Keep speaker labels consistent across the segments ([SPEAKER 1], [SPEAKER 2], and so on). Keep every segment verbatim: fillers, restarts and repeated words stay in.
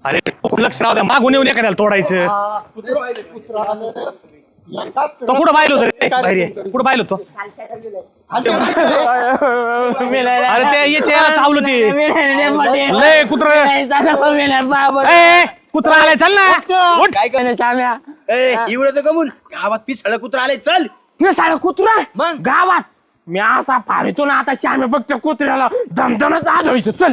[SPEAKER 1] अरे लक्ष राहू द्या, मागून येऊन एखाद्याला तोडायचं. तो कुठं पाहिलं होतं रे? बाहेर ये. कुठं पाहिलं होतं? अरे ते याच्या याला चावलं ते लय कुत्र. कुत्रा आलाय, चल ना उठ.
[SPEAKER 2] काय करणार एवढं तर गमून गावात पिसळ कुत्रा आलाय. चल
[SPEAKER 3] पिसाळ कुत्रा
[SPEAKER 2] मग
[SPEAKER 3] गावात मी असा फाडतो ना आता श्यामे फक्त कुत्र्याला दमदमच आढळतो. चल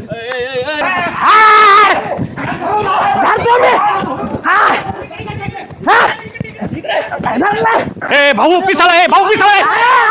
[SPEAKER 1] ए भाऊ पिसाळ आहे, भाऊ पिसाळ आहे.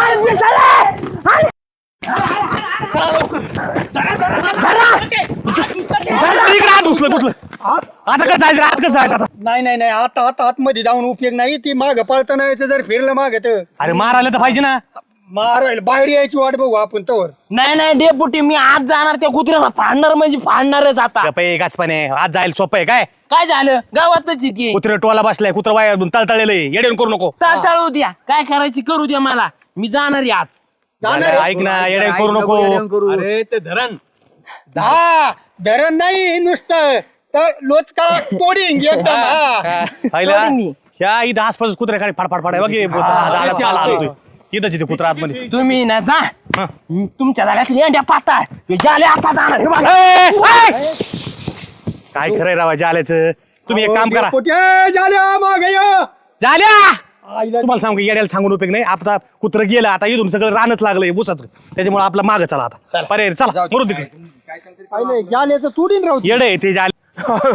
[SPEAKER 1] इकडे हात उचलं कुठलं. आता कसं जायचं, आत कसं जायचं आता?
[SPEAKER 4] नाही नाही नाही आता आता आतमध्ये जाऊन उपयोग नाही. ती माग पळताना यायचं जर फिरलं माग तर
[SPEAKER 1] अरे मारायला तर पाहिजे ना.
[SPEAKER 4] मारायला बाहेर यायची वाट बघू आपण तवर.
[SPEAKER 3] नाही नाही डेपुटी मी आज जाणार त्या कुत्र्याला फाडणार म्हणजे फाडणारच आता.
[SPEAKER 1] गप्पे गाचपाने आज जायला सोपं आहे काय?
[SPEAKER 3] काय झालं गावातच की
[SPEAKER 1] कुत्रे टोला बसलाय, कुत्रा वाया तळतळलेलं आहे. येडे करू नको.
[SPEAKER 3] टाळू द्या काय करायची करू द्या मला. मी जाणार आहे आज.
[SPEAKER 4] जाणार आहे.
[SPEAKER 1] ऐक ना, येडे करू नको.
[SPEAKER 2] अरे ते धरण
[SPEAKER 4] हा धरण नाही नुसतं तर लोचका तोडीन एकदम. हा
[SPEAKER 1] पाहिला ह्या इथं आसपास कुत्रे खाली फाडफाड फाड आहे बघ. हे झाडाला पाला आलतोय. इथंच इथे कुत्रा आतमध्ये.
[SPEAKER 3] तुम्ही ना जा
[SPEAKER 1] हा.
[SPEAKER 3] तुमच्या जाण्यात लेंड्या पाता झाले आता जाणार हे बघा.
[SPEAKER 1] ए, ए! काय खरंय रावायचं आल्याचं. तुम्ही एक काम करा.
[SPEAKER 4] पोट्या झाल्या माग
[SPEAKER 1] झाल्या तुम्हाला सांगू येड्याला सांगून उपयोग नाही. आता कुत्र गेलं, आता इथून सगळं रानच लागलंय बुसाचं. त्याच्यामुळे आपला माग चला आता. पर्याय चला मरू तिकडे.
[SPEAKER 4] जाल्याचं तोडीन राहू.
[SPEAKER 1] येडे आहे ते झाले.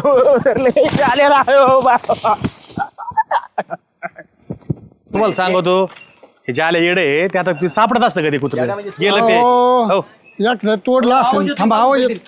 [SPEAKER 1] तुम्हाला सांगतो हे जे आले येडे आहे, ते आता ते सापडत असतं का ते कुत्र गेलं ते. हो
[SPEAKER 4] एक तोडला असेल. थांबा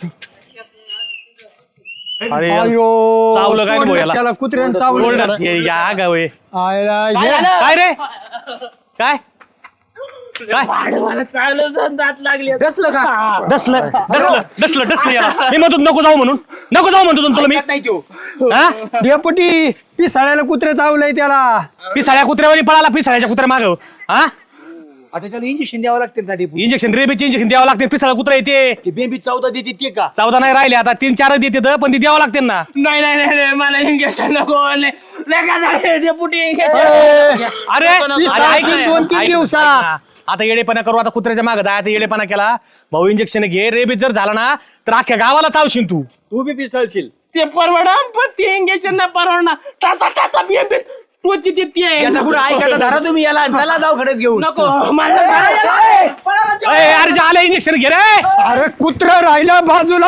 [SPEAKER 1] अरे चावलं काय रे याला?
[SPEAKER 4] त्याला कुत्र्यानं चावलं.
[SPEAKER 1] ओरडत ये- या गाव आहे.
[SPEAKER 4] आयला
[SPEAKER 3] काय
[SPEAKER 4] हे-
[SPEAKER 3] झालं?
[SPEAKER 1] काय रे काय काय
[SPEAKER 3] मला चांगलं दात लागले.
[SPEAKER 2] दसलं का
[SPEAKER 1] डसलं डसलं डसलं डसलं याला. मी म्हणतो नको जाऊ म्हणून. नको जाऊ म्हणतो तुला मी.
[SPEAKER 2] नाही तो
[SPEAKER 1] हा
[SPEAKER 4] डेपुटी पिसाळ्याला कुत्रे चावलंय त्याला.
[SPEAKER 1] पिसाळ्या कुत्र्यावर पळाला. पिसाळ्याच्या कुत्र्या माग हा
[SPEAKER 2] आता त्याला इंजेक्शन द्यावं लागते ना डेपू.
[SPEAKER 1] इंजेक्शन रेबीचे इंजेक्शन द्यावं लागते. पिसाळा कुत्रा येते.
[SPEAKER 2] ते बेबी चौदा देते ते का
[SPEAKER 1] चौदा नाही राहिले आता तीन चारच देते पण ती द्यावं लागते ना.
[SPEAKER 3] नाही नाही नाही नाही, मला इंजेक्शन नको. डेपुटी
[SPEAKER 4] ए,
[SPEAKER 1] अरे अरे
[SPEAKER 4] पिसाळा
[SPEAKER 1] ऐक ना,
[SPEAKER 4] दोन तीन
[SPEAKER 1] ऐक ना,
[SPEAKER 4] दिवसात.
[SPEAKER 1] ऐक ना. आता येडेपणा करू. आता कुत्र्याच्या मागे जाय. आता येडेपणा केला भाऊ इंजेक्शन घे. रेबीज जर झाला ना तर अख्ख्या गावाला चावशील तू.
[SPEAKER 2] तू बी पिसळशील.
[SPEAKER 3] ते परवडा पण ते इंजेक्शन नाही परवडणार. टाचा टाचा बिंबी टोची देते
[SPEAKER 2] याचा पुढे ऐकायला धरा तुम्ही याला आणि त्याला जाऊ खडत घेऊन.
[SPEAKER 3] नको मला
[SPEAKER 1] ए, अरे जे आलं इंजेक्शन घे रे.
[SPEAKER 4] अरे कुत्र राहिला बाजूला.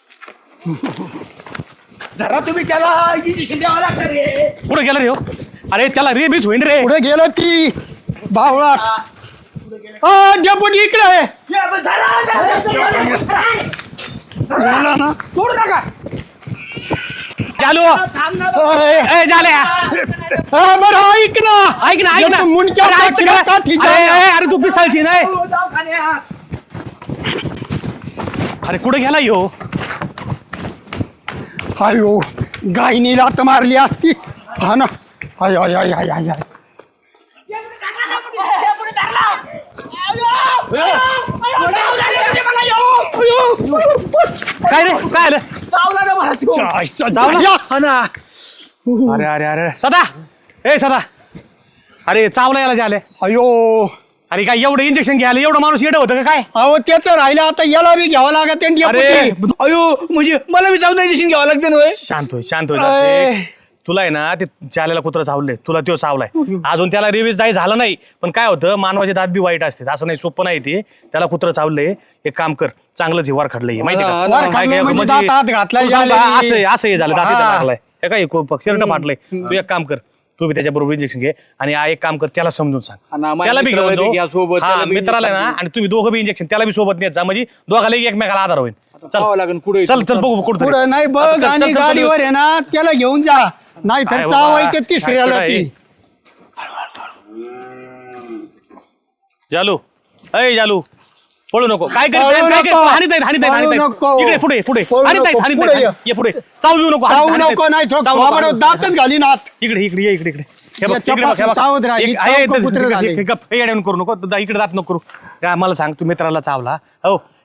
[SPEAKER 2] धरा तुम्ही त्याला इंजेक्शन द्यावं लागतं रे.
[SPEAKER 1] कुठे गेला रे हो? अरे त्याला रेबीज होईन रे.
[SPEAKER 4] पुढे गेलो ती बावळा. डेपुटी इकडे आहे. गेला ना.
[SPEAKER 2] सोडू नका.
[SPEAKER 1] चालू
[SPEAKER 4] अरे,
[SPEAKER 1] ए झाल्या.
[SPEAKER 4] हा, बरं ऐक ना.
[SPEAKER 1] ऐक ना ऐक ना.
[SPEAKER 4] मुंडक्या
[SPEAKER 1] अरे, ऐक ना.
[SPEAKER 4] काठी
[SPEAKER 1] अरे, अरे, अरे तू पिसाळशी नाही.
[SPEAKER 2] दवाखान्यात.
[SPEAKER 1] अरे कुठे गेला यो?
[SPEAKER 4] अयो गायनी लात मारली असती. हा ना. आय आय आय आय आय आय.
[SPEAKER 1] काय रे काय आलं?
[SPEAKER 2] चावला ना मला तो.
[SPEAKER 1] चावला?
[SPEAKER 2] हा ना.
[SPEAKER 1] अरे अरे अरे सदा ए सदा अरे चावला याला झाले.
[SPEAKER 4] अयो
[SPEAKER 1] अरे काय एवढं इंजेक्शन घ्यायला एवढं माणूस येडं होतं का काय?
[SPEAKER 4] अहो त्याच राहिलं आता याला बी घ्यावं लागत.
[SPEAKER 1] अरे
[SPEAKER 2] अयो म्हणजे मला बी जाऊन इंजेक्शन घ्यावं लागतं ना होय?
[SPEAKER 1] शांत होय शांत होय
[SPEAKER 4] अय.
[SPEAKER 1] जरासे. तुला आहे ना ते चाल्याला कुत्र चावलंय. तुला तो चावलाय. अजून त्याला रिव्हिज नाही झालं नाही. पण काय होतं मानवाचे दात बी वाईट असते. असं नाही सोपं नाही ते. त्याला कुत्र चावलंय. एक काम कर चांगलं जिवार खडलंय माहिती
[SPEAKER 2] हा,
[SPEAKER 1] का?
[SPEAKER 2] हा,
[SPEAKER 4] वर खाल्लंय म्हणजे दात आत घातलाय
[SPEAKER 1] तू सांग
[SPEAKER 4] झालंय.
[SPEAKER 1] बा, असं असं हे झालं दात इथं
[SPEAKER 4] हा.
[SPEAKER 1] लागलाय. हे काय शर्ट फाटलंय. तू एक काम कर तू बी त्याच्याबरोबर इंजेक्शन घे आणि आ एक काम कर त्याला समजून
[SPEAKER 2] हा
[SPEAKER 1] सांग.
[SPEAKER 2] ना, माझ्या
[SPEAKER 1] त्याला बी
[SPEAKER 2] मित्राला
[SPEAKER 1] घेऊन
[SPEAKER 2] बी घ्या
[SPEAKER 1] जाऊ.
[SPEAKER 2] सोबत,
[SPEAKER 1] हा
[SPEAKER 2] त्याला बी
[SPEAKER 1] मित्राला ना आणि तुम्ही दोघं बी इंजेक्शन त्याला बी सोबत नेत जा म्हणजे दोघाला एकमेकाला आधार होईल. चल
[SPEAKER 2] पाहावं लागेल पुढे.
[SPEAKER 1] चल चल बघू कुठं
[SPEAKER 4] पुढे नाही बघ
[SPEAKER 1] चल, चल,
[SPEAKER 4] आणि
[SPEAKER 1] चल, चल,
[SPEAKER 4] गाडीवर आहे ना त्याला घेऊन जा. नाही
[SPEAKER 1] काय
[SPEAKER 4] तर
[SPEAKER 1] बाबा,
[SPEAKER 4] चावायचं तिसऱ्याला
[SPEAKER 1] काय
[SPEAKER 4] ती.
[SPEAKER 1] जालू अय जालू पळू नको. काय कर
[SPEAKER 4] पळू
[SPEAKER 1] काय काय
[SPEAKER 4] नको.
[SPEAKER 1] हानीत आहेत हानीत आहेत
[SPEAKER 4] पळू
[SPEAKER 1] हानीत
[SPEAKER 4] नको.
[SPEAKER 1] आहेत. इकडे पुढे पुढे
[SPEAKER 4] पळू
[SPEAKER 1] हानीत आहेत
[SPEAKER 4] नको.
[SPEAKER 1] हानीत
[SPEAKER 4] पुढे
[SPEAKER 1] आहेत.
[SPEAKER 4] ये.
[SPEAKER 1] ये पुढे चावू येऊ नको. हानीत-
[SPEAKER 4] चावू
[SPEAKER 1] हानीत
[SPEAKER 4] नको
[SPEAKER 1] आहेत.
[SPEAKER 4] नाही तो
[SPEAKER 1] चावू नको.
[SPEAKER 4] थोबाडावर दातच घालीन आत.
[SPEAKER 1] इकडे इकडे ये इकडे इकडे हे बघ
[SPEAKER 4] याच्या
[SPEAKER 1] इकडे बघ, हे
[SPEAKER 4] पासून
[SPEAKER 1] बघ.
[SPEAKER 4] सावध राहा.
[SPEAKER 1] एक-
[SPEAKER 4] ही
[SPEAKER 1] आहे,
[SPEAKER 4] चौक
[SPEAKER 1] इथं-
[SPEAKER 4] कुत्रं
[SPEAKER 1] इकडे-
[SPEAKER 4] झाले.
[SPEAKER 1] इकडे- गप, हे येड्यावरून करू नको दा- इकडे दात नको करू. काय मला सांग तू मित्राला चावला हो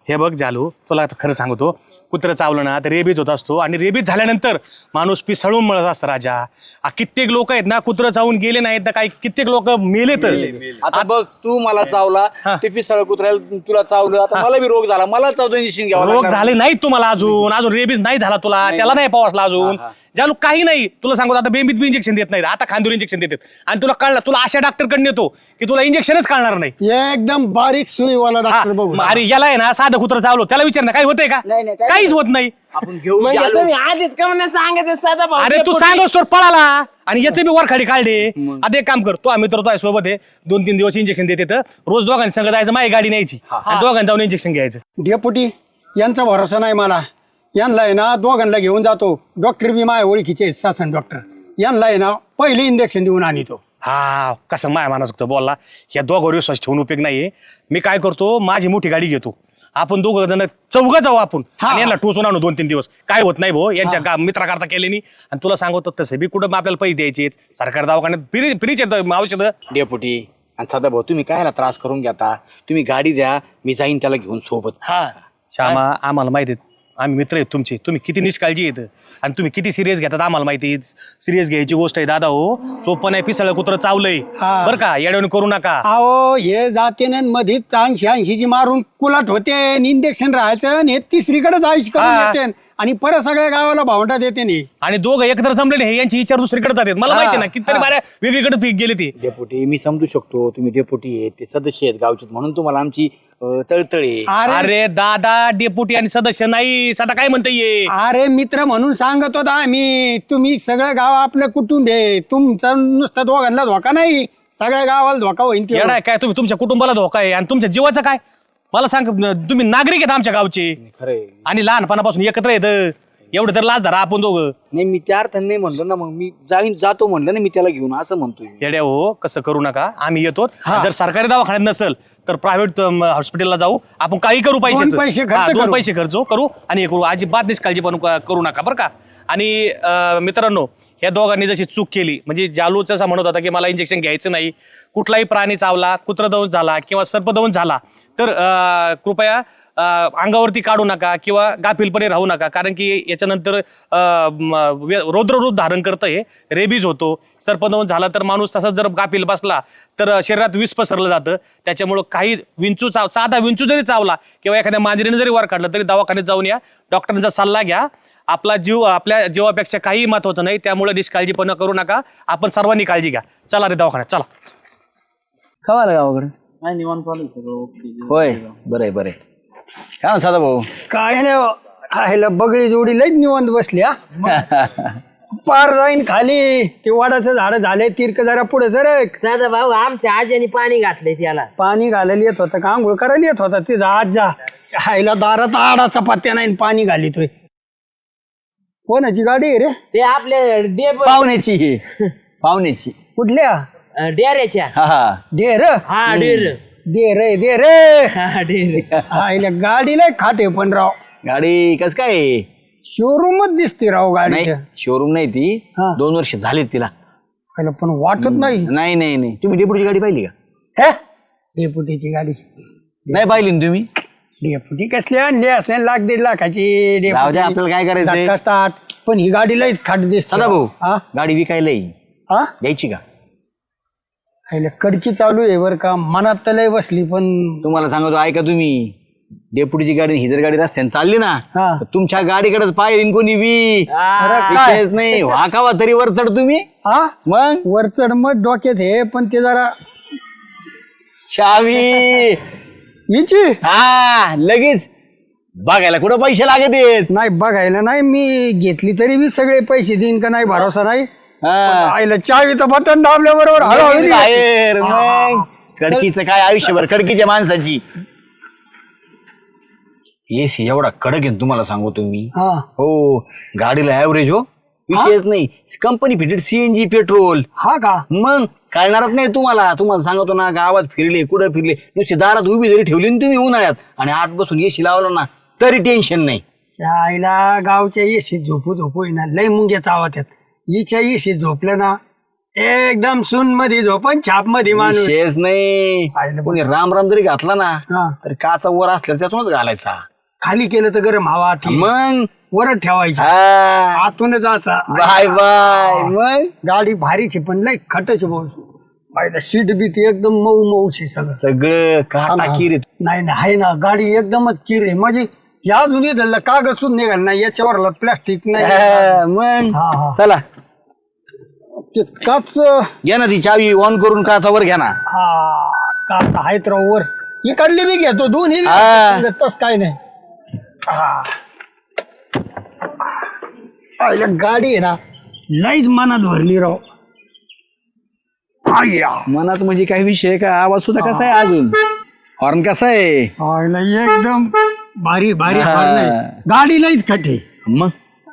[SPEAKER 1] हे बघ जालू, तुला आता खरं सांगतो, कुत्रं चावलं ना तर रेबीज होत असतो आणि रेबीज झाल्यानंतर माणूस पिसळून मळत असतं राजा. आ, कित्येक लोक आहेत ना कुत्रं चावून गेले नाहीत तर काही कित्येक लोक मेले तर.
[SPEAKER 2] आता बघ तू मला चावला ते पिसळ कुत्र्याला तुला चावलं आता मला बी रोग झाला मला चावतो इंजेक्शन घ्यावं
[SPEAKER 1] रोग
[SPEAKER 2] लागणार.
[SPEAKER 1] झाले नाहीत तुम्हाला अजून अजून रेबीज नाही झाला तुला, त्याला नाही पावसला अजून. जालू काही नाही, तुला सांगतो आता बेंबीत बी इंजेक्शन देत नाही, आता खांदूर इंजेक्शन देतात आणि तुला कळलं, तुला अशा डॉक्टरकडे नेतो की तुला इंजेक्शनच कळणार नाही.
[SPEAKER 4] एकदम बारीक सुईवाला डॉक्टर बघू.
[SPEAKER 1] हा, अरे याला आहे ना साधं कुत्रं चावलं त्याला विचार ना काही होतंय का?
[SPEAKER 2] नाही, नाही, काही
[SPEAKER 1] काहीच होत नाही.
[SPEAKER 2] आपण घेऊ
[SPEAKER 3] म्हणजे
[SPEAKER 2] जालू.
[SPEAKER 3] तुम्ही आधीच का म्हणून सांगायचं साधा भाऊ
[SPEAKER 1] अरे तू सांगस तर पळाला आणि याचे बी वरखाडी काढले. आता एक काम कर, तो आम्ही तर तो आहे सोबत आहे, दोन तीन दिवस इंजेक्शन देते तर रोज दोघांनी संग जायचं, माझी गाडी न्यायची आणि दोघांनी जाऊन इंजेक्शन घ्यायचं.
[SPEAKER 4] डेपुटी यांचा भरोसा नाही मला. यांना आहे ना दोघांना घेऊन जातो, डॉक्टर बी माझ्या ओळखीचे आहेत, शासन डॉक्टर. यांना आहे ना पहिले इंजेक्शन देऊन आणतो.
[SPEAKER 1] हा कसं माया माणूस बोलला, ह्या दोघांवर विश्वास ठेवून उपयोग नाहीये. मी काय करतो, माझी मोठी गाडी घेतो, आपण दोघं जण चौघ जाऊ आपण आणि यांना टोचून आणू दोन तीन दिवस. काय होत नाही भाऊ, यांच्या गा- मित्राकरता केले नाही. आणि तुला सांगतो तसं बी कुठं आपल्याला पैसे द्यायचे, सरकार दवाखान्यात फ्री फ्रीच येतं औषधं.
[SPEAKER 2] डेपुटी आणि सदा भाऊ तुम्ही कायला त्रास करून घेता, तुम्ही गाडी द्या मी जाईन त्याला घेऊन सोबत.
[SPEAKER 3] हा
[SPEAKER 1] श्यामा आम्हाला माहिती आहे, आम्ही मित्र आहेत तुमचे, तुम्ही किती निष्काळजी येतं आणि तुम्ही किती सिरियस घेतात आम्हाला माहिती आहे. सिरियस घ्यायची गोष्ट आहे दादा. हो सोपं नाही, पिसळ कुत्रं चावलंय
[SPEAKER 4] हा.
[SPEAKER 1] बरं का, येड्यावणी करू नका.
[SPEAKER 4] अहो हे जाते ना मधीच ऐंशी ऐंशीची मारून कुलाट होते, इंजेक्शन राहायचं आणि हे तिसरीकडेच आयुष करून
[SPEAKER 1] हा.
[SPEAKER 4] येते आणि परत सगळ्या गावाला भावंडा देते नाही.
[SPEAKER 1] आणि दोघं एकत्र जमलेले हे यांची विचार दुसरीकडे जातात. मला माहिती आहे ना कितीतरी बाऱ्या वेगळीकडे पीक गेले ते.
[SPEAKER 2] डेपुटी मी समजू शकतो तुम्ही डेपुटी आहेत ते सदस्य आहेत गावचे म्हणून तुम्हाला आमची अं, तळतळे.
[SPEAKER 4] अरे
[SPEAKER 1] अरे दादा डेप्युटी आणि सदस्य नाही, सदा काय म्हणता ये.
[SPEAKER 4] अरे मित्र म्हणून सांगत होता आम्ही, तुम्ही सगळं गाव आपलं कुटुंब आहे, तुमचं नुसतं दोघांना धोका नाही, सगळ्या गावाला धोका होईल ते.
[SPEAKER 1] येडा आहे काय तुम्ही, तुमच्या कुटुंबाला धोका आहे आणि तुमच्या जीवाचं काय मला सांग. तुम्ही नागरिक आहेत आमच्या गावचे
[SPEAKER 2] खरंय
[SPEAKER 1] आणि लहानपणापासून एकत्र येतं, एवढं तर लाज धरा आपण दोघं.
[SPEAKER 2] नाही मी त्या अर्थाने नाही म्हणलो ना, मग मी जाईन जातो म्हणलं ना मी त्याला घेऊन असं म्हणतोय.
[SPEAKER 1] येड्या हो कसं करू नका, आम्ही येतो. जर सरकारी दवाखान्यात नसेल तर प्रायव्हेट हॉस्पिटलला जाऊ आपण, काही करू
[SPEAKER 4] दोन पैसे
[SPEAKER 1] पैसे
[SPEAKER 4] खर्च
[SPEAKER 1] दोन
[SPEAKER 4] करू.
[SPEAKER 1] पैसे खर्च करू आणि हे करू, अजिबात निष्काळजी पण करू नका बरं का. आणि अं, मित्रांनो ह्या दोघांनी जशी चूक केली, म्हणजे जालूच असा म्हणत होता की मला इंजेक्शन घ्यायचं नाही, कुठलाही प्राणी चावला, कुत्र दंश झाला किंवा सर्पदंश झाला तर अं, कृपया अं, अंगावरती काढू नका किंवा गाफीलपणे राहू नका, कारण की याच्यानंतर अं, म, वे- रौद्ररूप धारण करतं, हे रेबीज होतो. सर्पदंश झाला तर माणूस तसाच जर गाफील बसला तर शरीरात विष पसरलं जातं. त्याच्यामुळं काही विंचू चाव साधा विंचू जरी चावला किंवा एखाद्या मांजरीने जरी वर काढलं तरी दवाखान्यात जाऊन या, डॉक्टरांचा सल्ला घ्या. आपला जीव आपल्या जीवापेक्षा काही महत्वाचं नाही, त्यामुळे निष्काळजीपणा करू नका. आपण सर्वांनी काळजी घ्या. चला रे दवाखान्यात चला.
[SPEAKER 2] खवाला गावाकडे होय बरं आहे बरं आहे. काय म्हणता सदा भाऊ.
[SPEAKER 4] काय नाही आयला बगडी जोडी लईच निवांत बसली हा. पार जाईन खाली, ते वडाचं झाड झाले, तिरक जरा पुढे सरक.
[SPEAKER 3] साधा भाऊ आमच्या आजीने पाणी घातलंय त्याला.
[SPEAKER 4] पाणी घालायला येत होता का आंघोळ करायला येत होता तिथं आज जा आईला दारात आडाचा पत्त्या नाही पाणी घालितोय. कोणाची गाडी आहे रे?
[SPEAKER 3] ते आपल्या डेप
[SPEAKER 2] पाहुण्याची ही पाहुण्याची
[SPEAKER 4] कुठल्या?
[SPEAKER 3] डेऱ्याच्या.
[SPEAKER 2] हा हा
[SPEAKER 4] डेर
[SPEAKER 3] हा डेर
[SPEAKER 4] दे रे दे रे
[SPEAKER 3] हा डेर
[SPEAKER 4] आईला गाडीला खाटे पण राव,
[SPEAKER 2] गाडी कस काय
[SPEAKER 4] शोरूमच दिसते राव गाडी.
[SPEAKER 2] नाही शोरूम नाही ती,
[SPEAKER 4] हा.
[SPEAKER 2] दोन वर्ष झालीत तिला.
[SPEAKER 4] आईला पण वाटत नाही.
[SPEAKER 2] नाही नाही नाही तुम्ही डेपुटीची गाडी पाहिली का?
[SPEAKER 4] हे? डेपुटीची गाडी
[SPEAKER 2] नाही पाहिली ना तुम्ही.
[SPEAKER 4] डेपुटी कसली आणली असेल लाख दीड लाखाची
[SPEAKER 2] जाऊ द्या, आपल्याला काय करायचंय?
[SPEAKER 4] धक्का स्टार्ट. पण ही गाडी लई खाट दिसते
[SPEAKER 2] सदा भाऊ
[SPEAKER 4] हा
[SPEAKER 2] गाडी विकायला येईल,
[SPEAKER 4] हा
[SPEAKER 2] द्यायची का?
[SPEAKER 4] आईला कडकी चालू आहे बरं का, मनात तर लय बसली पण
[SPEAKER 2] तुम्हाला सांगतो ऐका तुम्ही, डेपुटीची गाडी ही जर गाडी रस्त्याने चालली ना
[SPEAKER 4] हा.
[SPEAKER 2] तर तुमच्या गाडीकडेच पाहिजे कोणी बी.
[SPEAKER 4] अरे काय?
[SPEAKER 2] विषयच नाही वाकावा तरी वर चढ तुम्ही.
[SPEAKER 4] हा
[SPEAKER 2] मग
[SPEAKER 4] वर चढ मग डोक्यात हे, पण ते जरा
[SPEAKER 2] चावी
[SPEAKER 4] हिची
[SPEAKER 2] हा लगेच बघायला कुठं पैसे लागत आहेत.
[SPEAKER 4] नाही बघायला नाही, मी घेतली तरी मी सगळे पैसे देईन का नाही भरोसा नाही.
[SPEAKER 2] हा.
[SPEAKER 4] आईला चावी तर बटन दाबल्या बरोबर हळूहळू
[SPEAKER 2] लगेच
[SPEAKER 4] निघाली.
[SPEAKER 2] बाहेर मग कडकीचं काय आयुष्यभर कडकीच्या माणसाची. येस एवढा कडक आहे ना तुम्हाला सांगू तुम्ही.
[SPEAKER 4] हा
[SPEAKER 2] हो गाडीला ऍव्हरेज हो विषयच नाही, कंपनी फिटेड सीएनजी पेट्रोल.
[SPEAKER 4] हा का?
[SPEAKER 2] मग कळणारच नाही तुम्हाला. तुम्हाला सांगतो ना, गावात फिरले कुठं फिरले नुसती दारात उभी जरी ठेवली ना तुम्ही उन्हाळ्यात आणि आत बसून एसी लावलं ना तरी टेन्शन नाही.
[SPEAKER 4] त्या आईला गावच्या येशीत झोपू झोपू ना लय मुंग्या चावत आहेत. हिच्या येशीत झोपलं ना एकदम सून मध्ये झोपन छाप मध्ये माणूस.
[SPEAKER 2] शेष नाही
[SPEAKER 4] पाहिलं
[SPEAKER 2] कोणी राम राम जरी घातला ना
[SPEAKER 4] हा.
[SPEAKER 2] तर काचा वर असल्या त्यातूनच घालायचा.
[SPEAKER 4] खाली केलं तर गरम हवा आती.
[SPEAKER 2] मग
[SPEAKER 4] वरच ठेवायची
[SPEAKER 2] हा.
[SPEAKER 4] आतूनच असा.
[SPEAKER 2] Bye bye. मग
[SPEAKER 4] गाडी भारीची पण लय खटच भाऊ. पाहिलं सीट बीट एकदम मऊ मऊची सगळं.
[SPEAKER 2] सगळं काटा किरीत.
[SPEAKER 4] नाही नाही आहे ना गाडी एकदमच किर आहे म्हणजे या जुनी धरलं कागद सुद्धा निघाल नाही याच्यावर प्लास्टिक नाही.
[SPEAKER 2] हा, मग
[SPEAKER 4] हा, हा.
[SPEAKER 2] चला
[SPEAKER 4] ते काच
[SPEAKER 2] घ्या ना ती चावी ऑन करून काचावर घ्या ना.
[SPEAKER 4] हा काच आहेत राव वर इकडली बी घेतो दोन्ही बी
[SPEAKER 2] हा.
[SPEAKER 4] घेतो, तस काय नाही. हा. पाहिलं गाडी आहे ना लईच मनात भरली राव. आय्या.
[SPEAKER 2] मनात म्हणजे काही विषय आहे का? आवाज सुद्धा कसा आहे अजून? हॉर्न कसा आहे?
[SPEAKER 4] पाहिलं एकदम भारी भारी
[SPEAKER 2] हा.
[SPEAKER 4] हॉर्न आहे. गाडी लईच खटे.
[SPEAKER 2] मग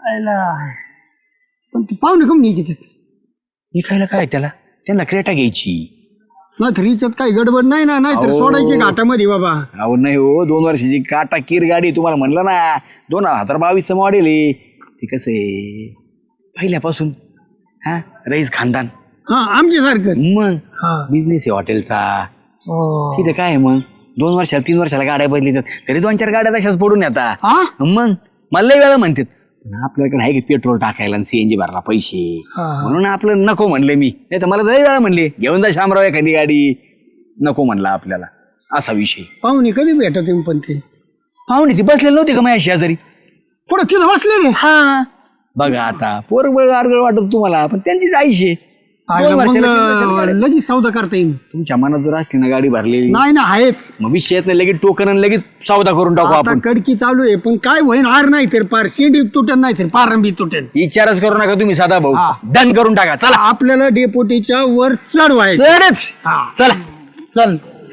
[SPEAKER 4] पण ती पाहुणे कम नाही किती
[SPEAKER 2] विकायला काय त्याला? त्यांना क्रेटा घ्यायची.
[SPEAKER 4] ना थ्रीच्यात काही गडबड नाही ना नाहीतर
[SPEAKER 2] अहो.
[SPEAKER 4] सोडायचे घाटामध्ये बाबा.
[SPEAKER 2] अहो नाही हो, दोन वर्षाची काटा कीर गाडी तुम्हाला म्हणलं ना. दोन हजार बावीसचं मॉडेल आहे ते. कसं आहे पहिल्यापासून हा रईस खानदान.
[SPEAKER 4] हा आमच्या सारखं.
[SPEAKER 2] मग
[SPEAKER 4] हा
[SPEAKER 2] बिझनेस आहे हॉटेलचा.
[SPEAKER 4] हो.
[SPEAKER 2] तिथे काय आहे मग दोन वर्षाला तीन वर्षाला गाड्या बदलितात तरी दोन चार गाड्या तशाच पडून येतात.
[SPEAKER 4] हा?
[SPEAKER 2] मग मला लय वेळा म्हणतात पण आपल्याकडे आहे की पेट्रोल टाकायला आणि सीएनजी भरला पैसे.
[SPEAKER 4] हा.
[SPEAKER 2] म्हणून आपलं नको म्हणलं मी. नाही तर मला लय वेळा म्हणले घेऊन जा शामराव एखादी गाडी. नको म्हणला आपल्याला असा विषय.
[SPEAKER 4] पाहुणे कधी भेटत पण ते
[SPEAKER 2] पाहुणे ती बसलेली नव्हती का माझ्या शेजारी?
[SPEAKER 4] पुढे तिथं बसले रे.
[SPEAKER 2] हा बघा आता पोरबळ आरगळ वाटत तुम्हाला पण त्यांचीच आईशे. दोन वर्षाला, तीन वर्षाला गाड्या.
[SPEAKER 4] लगेच सौदा करता येईल.
[SPEAKER 2] तुमच्या मनात जर असली ना गाडी भरलेली
[SPEAKER 4] नाही ना आहेच.
[SPEAKER 2] मग विषयात नाही लगेच टोकन आणि लगेच सौदा करून टाकू
[SPEAKER 4] आता
[SPEAKER 2] आपण.
[SPEAKER 4] कडकी चालू आहे पण काय होईन आर नाही तर पार शेंडी तुटेल नाही तर पारंबी तुटेल.
[SPEAKER 2] विचारच करू नका तुम्ही साधा भाऊ.
[SPEAKER 4] हा.
[SPEAKER 2] डन करून टाका चला.
[SPEAKER 4] आपल्याला डेपोटीच्या वर चढवायचं.
[SPEAKER 2] चढच
[SPEAKER 4] हा.
[SPEAKER 2] चला.
[SPEAKER 4] चल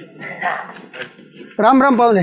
[SPEAKER 4] राम राम पाहुणे.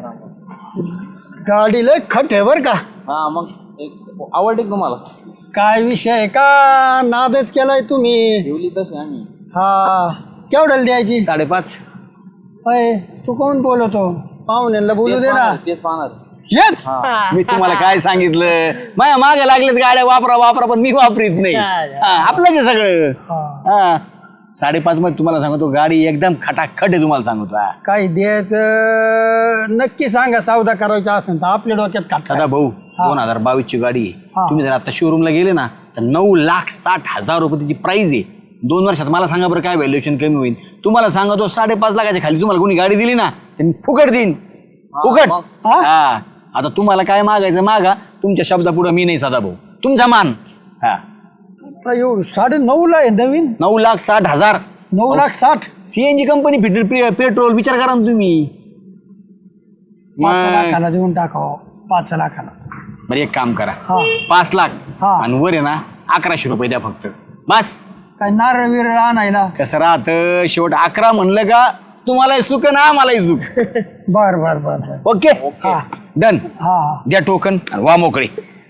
[SPEAKER 4] गाडी लय खट आहे बर का.
[SPEAKER 3] हा मग एक आवडते का तुम्हाला?
[SPEAKER 4] काय विषय आहे का नादच केलाय तुम्ही.
[SPEAKER 3] ठेवली तशी आम्ही.
[SPEAKER 4] हा केवढ्याला द्यायची?
[SPEAKER 2] साडेपाच.
[SPEAKER 4] अय तू कोण बोलवतो? पाहुण्यांना बोलू दे ना.
[SPEAKER 3] तेच पाहणार.
[SPEAKER 4] हेच
[SPEAKER 2] मी तुम्हाला काय सांगितलं माझ्या मागे लागलेत गाड्या वापरा वापरा पण मी वापरीत नाही. हा, आपलंच आहे सगळं. हा साडेपाच मध्ये तुम्हाला सांगतो गाडी एकदम खटाखट आहे तुम्हाला सांगतो. हा.
[SPEAKER 4] काय द्यायचं नक्की सांगा. सौदा करायचा असेल तर आपल्या डोक्यात काढता.
[SPEAKER 2] सदा भाऊ दोन हजार बावीस ची गाडी आहे.
[SPEAKER 4] हा.
[SPEAKER 2] तुम्ही जर आता शोरूमला गेले ना तर नऊ लाख साठ हजार रुपये त्याची प्राइस आहे. दोन वर्षात मला सांगा बरं काय व्हॅल्युएशन कमी होईल. तुम्हाला सांगतो साडेपाच लाखाच्या खाली तुम्हाला कोणी गाडी दिली ना तर मी फुकट देईन. फुकट.
[SPEAKER 3] मग.
[SPEAKER 2] हा आता तुम्हाला काय मागायचं मागा. तुमच्या शब्दापुढे मी नाही सदा भाऊ. तुमचा मान. हा
[SPEAKER 4] एवढं साडे नऊ ला आहे नवीन.
[SPEAKER 2] नऊ लाख साठ हजार.
[SPEAKER 4] नऊ लाख साठ.
[SPEAKER 2] सीएनजी कंपनी फिटेल पेट्रोल विचार करा ना तुम्ही.
[SPEAKER 4] पाच
[SPEAKER 2] मग
[SPEAKER 4] लाखाला देऊन टाकावं. पाच लाखाला.
[SPEAKER 2] बरं एक काम करा
[SPEAKER 4] हा.
[SPEAKER 2] पाच लाख
[SPEAKER 4] हा.
[SPEAKER 2] आणि वर आहे ना अकराशे रुपये द्या फक्त बस.
[SPEAKER 4] काय नारळ विरळ आणायला.
[SPEAKER 2] कसं राहतं शेवट अकरा म्हणलं का तुम्हालाही सुख ना आम्हालाही सुख.
[SPEAKER 4] बर बर बर बर.
[SPEAKER 2] ओके
[SPEAKER 4] हा.
[SPEAKER 2] डन.
[SPEAKER 4] हा
[SPEAKER 2] द्या टोकन वा मोकळे.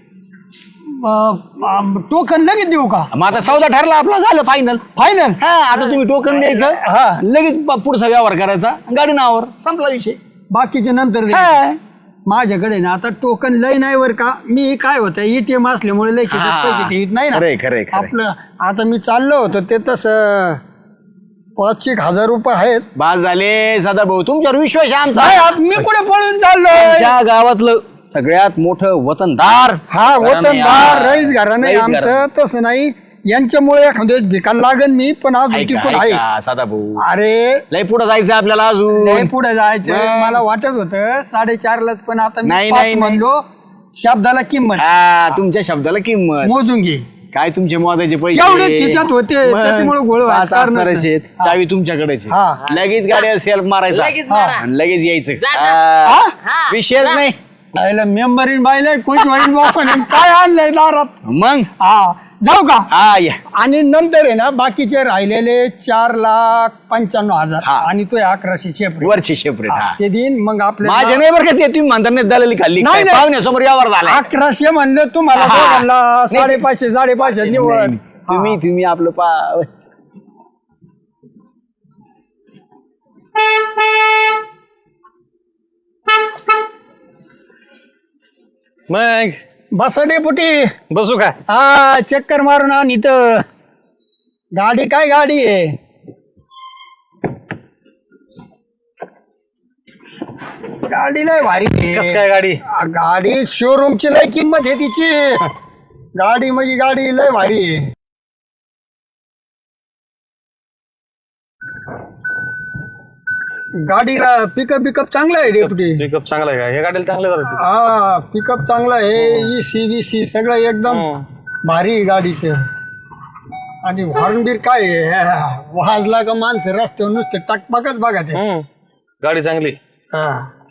[SPEAKER 4] टोकन लगेच देऊ का?
[SPEAKER 2] मग आता सौदा ठरला आपला झालं फायनल.
[SPEAKER 4] फायनल.
[SPEAKER 2] हा आता तुम्ही टोकन द्यायचं
[SPEAKER 4] हा.
[SPEAKER 2] लगेच प- पुढचा व्यवहार करायचा गाडी नावावर संपला विषय.
[SPEAKER 4] बाकीचे नंतर दे.
[SPEAKER 2] हा.
[SPEAKER 4] माझ्याकडे ना आता टोकन लय नाही वर का. मी काय होतं एटीएम असल्यामुळे लय खिशात
[SPEAKER 2] हा.
[SPEAKER 4] पैसे ठेवीत नाही ना.
[SPEAKER 2] खरंय, खरंय, खरंय.
[SPEAKER 4] आपलं आता मी चाललो होतो ते तसं पाच एक हजार रुपये आहेत.
[SPEAKER 2] बास झाले सदा भाऊ तुमच्यावर विश्वास आहे
[SPEAKER 4] नाही,
[SPEAKER 2] आमचा.
[SPEAKER 4] आत- मी कुठे पळून चाललोय.
[SPEAKER 2] ज्या गावातलं सगळ्यात मोठं वतनदार
[SPEAKER 4] हा वतनदार रईस घराणं आहे
[SPEAKER 2] रईस घराणं.
[SPEAKER 4] आमचं. तसं नाही यांच्यामुळे एखाद्या वेळेस भिकायला लागन मी पण अजून
[SPEAKER 2] ऐका,
[SPEAKER 4] टिकून आहे.
[SPEAKER 2] ऐका, सदा भाऊ
[SPEAKER 4] अरे
[SPEAKER 2] लय पुढे जायचं आपल्याला अजून.
[SPEAKER 4] लय पुढे जायचं.
[SPEAKER 2] मग.
[SPEAKER 4] मला वाटत होतं साडेचारलाच पण आता मी
[SPEAKER 2] नाही,
[SPEAKER 4] पाच
[SPEAKER 2] नाही,
[SPEAKER 4] म्हणलो. शब्दाला किंमत
[SPEAKER 2] हा तुमच्या शब्दाला किंमत.
[SPEAKER 4] मोजून घे.
[SPEAKER 2] काय तुमचे मोजायचे पैसे
[SPEAKER 4] एवढेच खिशात होते,
[SPEAKER 2] मग
[SPEAKER 4] त्याच्यामुळे गोळ व्हायचं
[SPEAKER 2] पाच
[SPEAKER 4] कारणच नाही.
[SPEAKER 2] करायचे चावी तुमच्याकडेच
[SPEAKER 4] हा.
[SPEAKER 2] लगेच गाड्या सेल्फ मारायचा
[SPEAKER 3] लगेच मारा.
[SPEAKER 2] आणि लगेच यायचं.
[SPEAKER 3] जा ना.
[SPEAKER 2] हा.
[SPEAKER 3] हा.
[SPEAKER 2] विषयच
[SPEAKER 3] जा.
[SPEAKER 2] नाही.
[SPEAKER 4] मेंबरीन बाईला कोण वडील बापन काय आणलंय दारात.
[SPEAKER 2] मग
[SPEAKER 4] हा जाऊ का?
[SPEAKER 2] हा या
[SPEAKER 4] आणि नंतर आहे ना बाकीचे राहिलेले चार लाख पंच्याण्णव हजार
[SPEAKER 2] हा.
[SPEAKER 4] आणि तो अकराशे शेपरे
[SPEAKER 2] वरची शेपरेट हा
[SPEAKER 4] ते देईन मग
[SPEAKER 2] माझ्या
[SPEAKER 4] आपल्या
[SPEAKER 2] नाही बरं का ते तुम्ही म्हणता नाही दलाली खाल्ली
[SPEAKER 4] नाही,
[SPEAKER 2] काय?
[SPEAKER 4] नाही.
[SPEAKER 2] पाहुण्यासमोर यावर झाला
[SPEAKER 4] अकराशे म्हणलं तुम्हाला
[SPEAKER 2] हा.
[SPEAKER 4] दोघांना साडेपाचशे साडेपाचशे निवड.
[SPEAKER 2] तुम्ही तुम्ही आपलं पा
[SPEAKER 1] मग
[SPEAKER 4] बसा डेपुटी.
[SPEAKER 1] बसू का?
[SPEAKER 4] हा चक्कर मारून आण इथं. गाडी काय गाडी आहे? गाडी लय भारी आहे.
[SPEAKER 1] कस काय गाडी?
[SPEAKER 4] गाडी शोरूमची लय किंमत आहे तिची. गाडी म्हणजे गाडी लय भारी आहे. गाडीला पिकअप बिकअप चांगला आहे डेपुटी.
[SPEAKER 1] पिकअप चांगला आहे का? हे गाडीला चांगलं झालं.
[SPEAKER 4] हा पिकअप चांगला आहे. ई सी बी सी सगळं एकदम भारी आहे गाडीचं. आणि हॉर्नबीर काय आहे? वाजला का माणसं रस्त्यावर नुसते टकपकच बघा ते.
[SPEAKER 1] हम्म. गाडी चांगली.
[SPEAKER 4] हा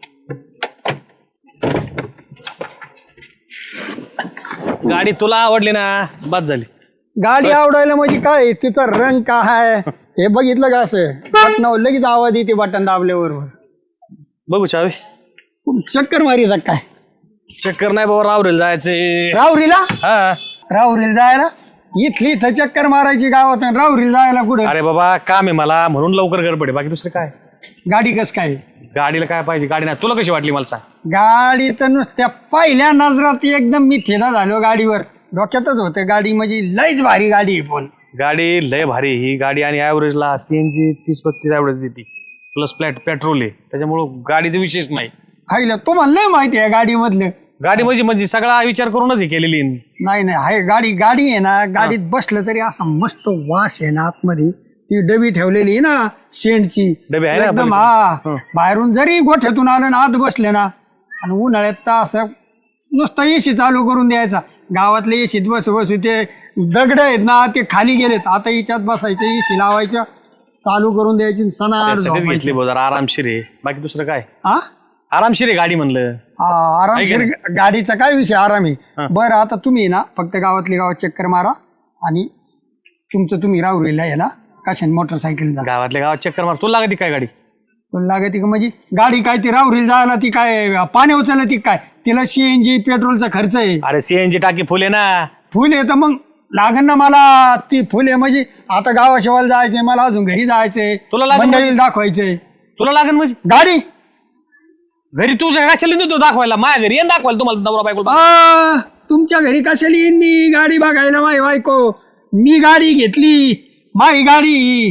[SPEAKER 1] गाडी तुला आवडली ना, बस झाली.
[SPEAKER 4] गाडी आवडायला म्हणजे काय तिचा रंग काय आहे हे बघितलं का? असं बटनावर लगेच आवाज येते बटन दाबल्यावर.
[SPEAKER 1] बघू चावी.
[SPEAKER 4] चक्कर मारी काय?
[SPEAKER 1] चक्कर नाही बाबा, रावरेल जायचंय.
[SPEAKER 4] राहुरीला?
[SPEAKER 1] हा.
[SPEAKER 4] राहुरीला जायला? इथली इथं चक्कर मारायची गावात, राहुरीला जायला कुठं?
[SPEAKER 1] अरे बाबा काम आहे मला म्हणून लवकर गडबड आहे, बाकी दुसरं काय.
[SPEAKER 4] गाडी कस काय?
[SPEAKER 1] गाडीला काय पाहिजे? गाडी नाही. तुला कशी वाटली मला सांग.
[SPEAKER 4] गाडी तर नुसत्या पहिल्या नजरात एकदम मी फिदा झालो गाडीवर. डोक्यातच होतं गाडी म्हणजे लयच भारी गाडी आहे. पण
[SPEAKER 1] गाडी लय भारी ही गाडी. आणि ॲव्हरेजला सीएनजी तीस पस्तीस ॲव्हरेज देते, प्लस फ्लॅट पेट्रोल आहे, त्याच्यामुळं गाडीचा विषयच नाही.
[SPEAKER 4] खायला तुम्हाला नाही माहिती आहे गाडी मधलं?
[SPEAKER 1] गाडी म्हणजे म्हणजे सगळा विचार करूनच हे केलेली आहे.
[SPEAKER 4] नाही नाही आहे गाडी. गाडी आहे ना, गाडीत बसलं तरी असा मस्त वास आहे ना आतमध्ये. ती डबी ठेवलेली आहे ना शेंडची
[SPEAKER 1] डबी आहे ना
[SPEAKER 4] एकदम.
[SPEAKER 1] आपल्याकडे?
[SPEAKER 4] हा बाहेरून जरी गोठ्यातून आलं ना आत बसले ना, आणि उन्हाळ्यात तर असं नुसतं एसी चालू करून द्यायचा. गावातले एसीत बसू बसू ते दगड आहेत ना ते खाली गेलेत. आता याच्यात बसायचं, एसी लावायचं, चालू करून द्यायची, सणाड
[SPEAKER 1] त्यासाठीच
[SPEAKER 4] झोपायचं.
[SPEAKER 1] घेतली बघ, जरा आरामशीर आहे, बाकी दुसरं काय.
[SPEAKER 4] हा
[SPEAKER 1] आरामशीर आहे गाडी म्हणलं.
[SPEAKER 4] हा, आरामशीर गाडीचा काय विषय आराम आहे. बरं आता तुम्ही ना फक्त गावातली गावात चक्कर मारा आणि तुमचं तुम्ही राहुरीला आहे ना कशाने मोटरसायकल जा.
[SPEAKER 1] गावातल्या गावात चक्कर मार. तुला लागते काय गाडी?
[SPEAKER 4] तुला लागते का म्हणजे गाडी काय ती राहुरीला जायला ती काय पाणी उचललं ती काय? तिला सीएनजी पेट्रोलचा खर्च आहे.
[SPEAKER 1] अरे सीएनजी टाकी फुले ना.
[SPEAKER 4] फुल आहे तर मग लागन ना मला ती फुल आहे. म्हणजे आता गावाशिवायला जायचंय मला, अजून घरी जायचंय,
[SPEAKER 1] तुला लागेल
[SPEAKER 4] मंडळीला दाखवायचंय.
[SPEAKER 1] तुला लागेल म्हणजे
[SPEAKER 4] गाडी
[SPEAKER 1] घरी तुझ्या कशाला देतो दाखवायला? माझ्या घरी येऊन दाखवायला तुम्हाला नवरा बायको.
[SPEAKER 4] आ, तुमच्या घरी कशाला येईन मी गाडी बघायला? माय बायको मी गाडी घेतली, माई गाडी.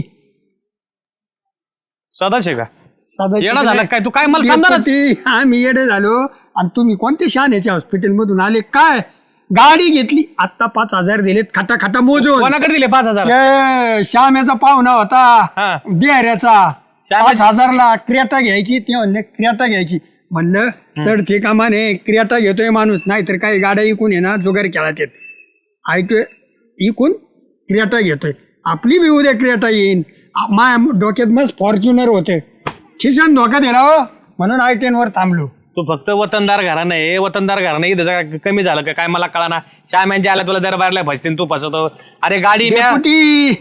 [SPEAKER 1] सदाशे का
[SPEAKER 4] सदाची
[SPEAKER 1] येडा झाला काय तू? काय मला समजा
[SPEAKER 4] डेपुटी, आम्ही येडे झालो. आणि तुम्ही कोणत्या शहाण्याच्या हॉस्पिटल मधून आले काय? गाडी घेतली आता पाच हजार दिलेत खाटा खाटा मोजून.
[SPEAKER 1] कोणाकडे दिले पाच हजार?
[SPEAKER 4] ते श्याम्याचा पाहुणा
[SPEAKER 1] हा.
[SPEAKER 4] होता बिहाऱ्याचा.
[SPEAKER 1] श्याम्या-
[SPEAKER 4] पाच हजारला क्रियाटा घ्यायची. ते म्हणले क्रियाटा घ्यायची. म्हणलं चढते कामाने क्रियाटा घेतोय माणूस, नाहीतर काही गाड्या इकून आहे ना जुगार खेळात येत. ऐकतोय इकून क्रियाटा घेतोय. आपली बी उद्या क्रियाटा येईन. माया डोक्यात मस्त फॉर्च्युनर होते, खिशान धोका दिला हो, म्हणून आय टेन वर थांबलो.
[SPEAKER 1] तू फक्त वतनदार घरा नाही, वतनदार घरा नाही इथं कमी झालं का काय मला कळाना. श्याम्यांच्या आला तुला दरबारला फसतील, तू फसवतो. अरे गाडी म्या-
[SPEAKER 4] डेपुटी,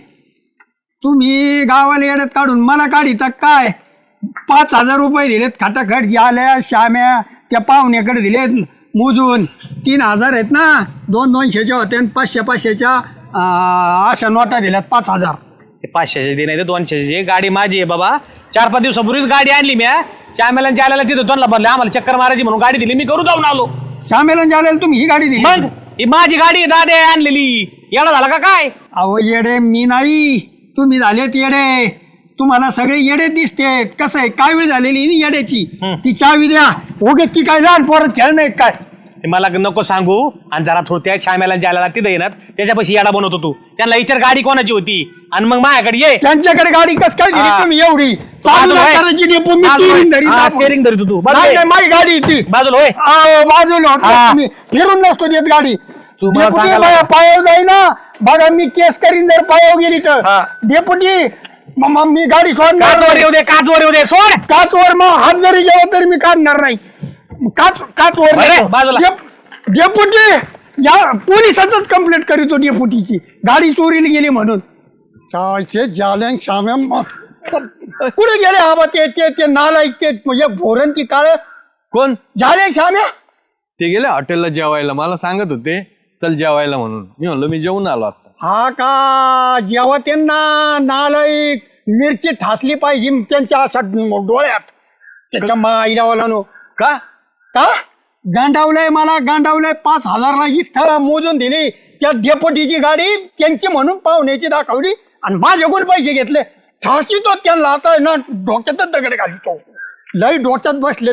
[SPEAKER 4] तुम्ही गावाला येड्यात काढून मला काढिता काय? पाच हजार रुपये दिलेत खटाखट. आल्या श्याम्या त्या पाहुण्याकडे दिलेत मोजून. तीन हजार आहेत ना, दोन दोनशेच्या होत्या आणि पाचशे पाचशेच्या अं, अशा नोटा दिल्यात पाच हजार.
[SPEAKER 1] पाचशेचे दे नाही तर दोनशेचे. गाडी माझी आहे बाबा. चार पाच दिवसापूर्वीच गाडी आणली म्या. श्यामेला जायला तिथं दोनला बनले, आम्हाला चक्कर मारायची म्हणून गाडी दिली, मी करू जाऊन आलो.
[SPEAKER 4] श्यामेला जायला तुम्ही ही गाडी दिली?
[SPEAKER 1] मग ही माझी गाडी आहे, दादे आणलेली. येडा झाला का काय?
[SPEAKER 4] अहो येडे मी नाही, तुम्ही झालेत येडे. तुम्हाला सगळे येडे दिसते. कसं आहे काय वेळ झालेली ना येड्याची. ती चावी द्या. ओके ती काय लहान पोरत खेळ नाही काय?
[SPEAKER 1] ते मला नको सांगू. आणि जरा थोडं त्या श्यामेला जायला तिथं येणार त्याच्यापाशी येडा बनवतो तू. त्यांना विचार गाडी कोणाची होती आणि मग माझ्याकडे ये.
[SPEAKER 4] त्यांच्याकडे गाडी कस काय दिली
[SPEAKER 1] हा.
[SPEAKER 4] तुम्ही एवढी?
[SPEAKER 1] बाजूला होय.
[SPEAKER 4] चालू डेपो मी steering धरीत
[SPEAKER 1] हा,
[SPEAKER 4] असतो.
[SPEAKER 1] steering धरीत होतो. बाजूला
[SPEAKER 4] नाही
[SPEAKER 1] ये.
[SPEAKER 4] नाही, माझी गाडी आहे ती.
[SPEAKER 1] बाजूला होय.
[SPEAKER 4] अहो, बाजूला होता
[SPEAKER 1] हा.
[SPEAKER 4] तुम्ही. फिरून नसतो देत गाडी.
[SPEAKER 1] तू मला
[SPEAKER 4] डेपुटी
[SPEAKER 1] सांगायला-
[SPEAKER 4] बाया पायावर जाई ना, बघा मी केस करीन जर पायावर गेली तर.
[SPEAKER 1] हा.
[SPEAKER 4] डेपुटी मग मग मी गाडी सोडणार
[SPEAKER 1] काचवर येऊ दे, काचवर येऊ दे, सोड.
[SPEAKER 4] काचवर मग हात जरी गेला तरी मी काढणार नाही. काच काचवर
[SPEAKER 1] बरं,
[SPEAKER 4] नको.
[SPEAKER 1] बाजूला.
[SPEAKER 4] डेप- डेपुटी या पोलिसातच कंप्लेंट करीतो डेपुटीची, गाडी चोरीला गेली म्हणून. कायचे जाल्यान श्याम्या म- कुठे गेले आबा ते ते ते नालायक ते म्हणजे भोरण ती काळ
[SPEAKER 5] कोण?
[SPEAKER 4] झाले श्याम्या?
[SPEAKER 5] ते गेले हॉटेलला जेवायला, मला सांगत होते चल जेवायला म्हणून. मी म्हणलो मी जेवून आलो आता.
[SPEAKER 4] हा का? जेव्हा त्यांना नालायक मिरची ठासली पाहिजे त्यांच्या अशा डोळ्यात. त्याच्या माईला नो
[SPEAKER 5] का
[SPEAKER 4] का गांडावलंय मला, गांडावलंय. पाच हजारला इथं मोजून दिली. त्या डेपोटीची गाडी त्यांची म्हणून पाहुण्याची दाखवली आणि माझ्याकडून पैसे घेतले झाशी तो त्यांना आता ना डोक्यातच दगड घालतो लय डोक्यात बसले